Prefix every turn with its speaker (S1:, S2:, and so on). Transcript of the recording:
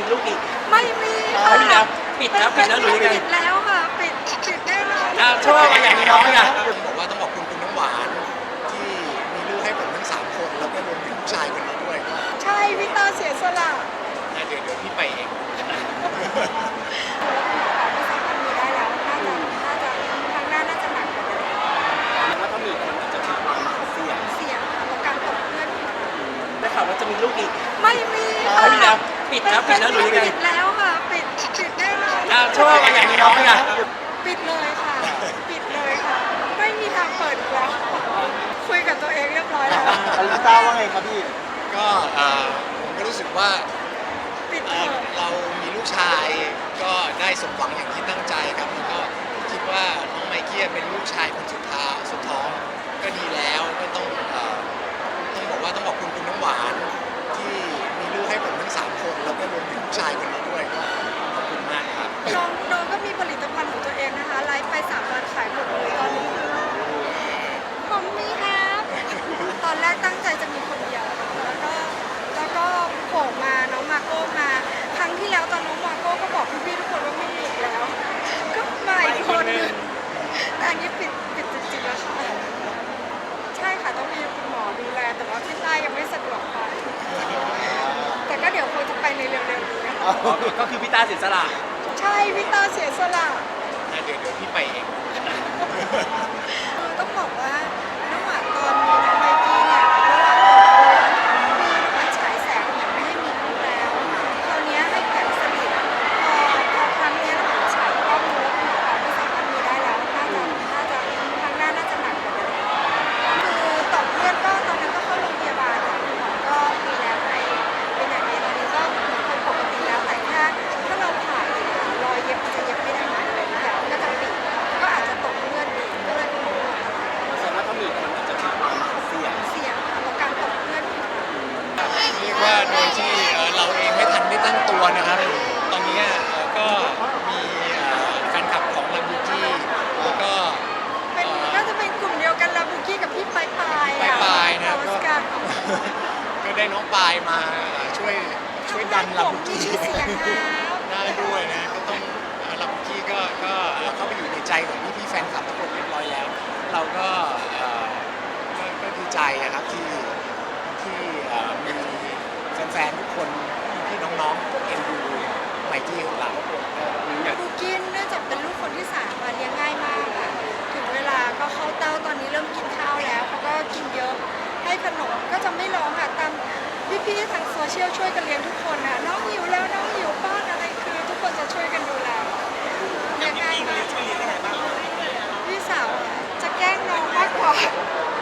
S1: มีลูกอีก
S2: ไม่มี
S1: ไม่มีแล้
S2: ค่ะ
S1: วปิดแล้วหรือยังไง
S2: ปิดแล้วค่ะปิดแน่นอน
S1: ชอบอะไรอย่างนี้น้องอ่ะ
S3: บอกว่าต้องขอบคุณคุณน้ำหวานที่มีลูกให้ผมทั้ง3 คนแล้วก็รวมถึงผู้ชายคนนี้ด้วยก็
S2: ใช่พี่ตาเสียสละ
S3: เดี๋ยวพี่ไปเอง
S2: ไม่สามารถมีได้แล้วน่าจะครั้งหน้าน่าจะหนักกว่าเดิม
S1: แล้วถ้ามีมันอาจจะมีความเสี่ยง
S2: กับการตกเพื่อน
S1: ได้ข่าวว่าจะมีลูกอีก
S2: ไม่มีค่ะ
S1: ไม่มีแล้วปิดแล้วหรือยังไง
S2: ปิดแล้วค่ะปิดแน่นอน
S1: ชอบอะไรอย่างนี้น้องอ่ะ
S2: ปิดเลยค่ะไม่มีทางเปิดอีกแล้วคุยกับตัวเองเรียบร้อยแล้ว
S4: ลิต้าว่าไงครับพี่
S3: ก็ผมก็รู้สึกว่าเรามีลูกชายก็ได้สมหวังอย่างที่ตั้งใจครับแล้วก็คิดว่าน้องไมเคิลเป็นลูกชายคนสุดท้องก็ดีแล้วก็ต้องบอกว่าต้องขอบคุณคุณน้ำหวานที่มีลูกให้ผมทั้ง3 คนแล้วก็รวมถึงผู้ชายคนนี้ด้วยก็ขอบคุณมากครับ
S2: น้องก็มีผลิตภัณฑ์ของตัวเองนะคะไลฟ์ไป3 วันขายหมดเลยตอนนี้ผมมีครับตอนแรกตั้งใจจะมีคนเดียวแล้วก็โผล่มาน้องมาโก้มาครั้งที่แล้วตอนน้องมาโก้ก็บอกพี่ๆทุกคนว่าไม่มีอีกแล้วก็มาอีกคนนึงแต่อันนี้ปิดจริงๆแล้วค่ะใช่ค่ะต้องมีคุณหมอดูแลแต่ว่าพี่ใต้ยังไม่สะดวกไปแต่ก็เดี๋ยวคงจะไปในเร็วๆนี้
S1: ก็คือพี่ตาเสียสละ
S2: ใช่พี่ตาเสียสละ
S3: เดี๋ยวพี่ไปเอง
S2: ต้องบอกว่าระหว่างตอนมีน้องไมกี้เนี่ยระหว่างมีน้องฉายแสงเนี่ยไม่ให้มีลูกแล้วคราวนี้ให้แข็งสนิทพอครั้งนี้น้องฉายก็รู้ว่าคุณหมอไม่สามารถมีได้แล้วน่าจะครั้งหน้าน่าจะหนักกว่าเดิมคือต่อเพื่อนก็ตอนนั้นก็เข้าโรงพยาบาลค่ะคุณหมอก็มีแนวให้เป็นอย่างนี้ตอนนี้ก็เหมือนคนปกติแล้วแต่ถ้าเราผ่าอีกรอยเย็บจะเย็บไม่ได้นะแผลก็จะปิดก็อาจจะตกเลือดอีกก็เลยไม่รู้ว่าอะไร
S1: แสดงว่าถ้ามีมันอาจจะมีความเสี่ยง
S2: กับการตกเพื่อน
S3: เรียกว่าโดยที่เราเองไม่ทันได้ตั้งตัวนะครับตอนนี้ก็มีแฟนคลับของลาบูกี้แล้วก็
S2: น่าจะเป็นกลุ่มเดียวกันลาบูกี้กับพี่ปาย
S3: นะก็ได้น้องปายมาช่วยดันลาบูกี้ได้ด้วยนะก็ต้องลาบูกี้ก็เข้าไปอยู่ในใจของพี่แฟนคลับทุกคนเรียบร้อยแล้วเราก็ดีใจนะครับที่มีแฟนๆทุกคนพี่น้องๆเอ็นดูไมกี้ของเรา
S2: บูกี้เนื่องจากเป็นลูกคนที่3เลี้ยงง่ายมากค่ะถึงเวลาก็เข้าเต้าตอนนี้เริ่มกินข้าวแล้วเขาก็กินเยอะให้ขนมก็จะไม่ร้องค่ะตามพี่ๆทางโซเชียลช่วยกันเลี้ยงทุกคนนะน้องหิวแล้วน้องหิวป้อนอะไรคือทุกคนจะช่วยกันดูแลเลี้ยงง่ายมากพี่สาวจะแกล้งน้องมากกว่า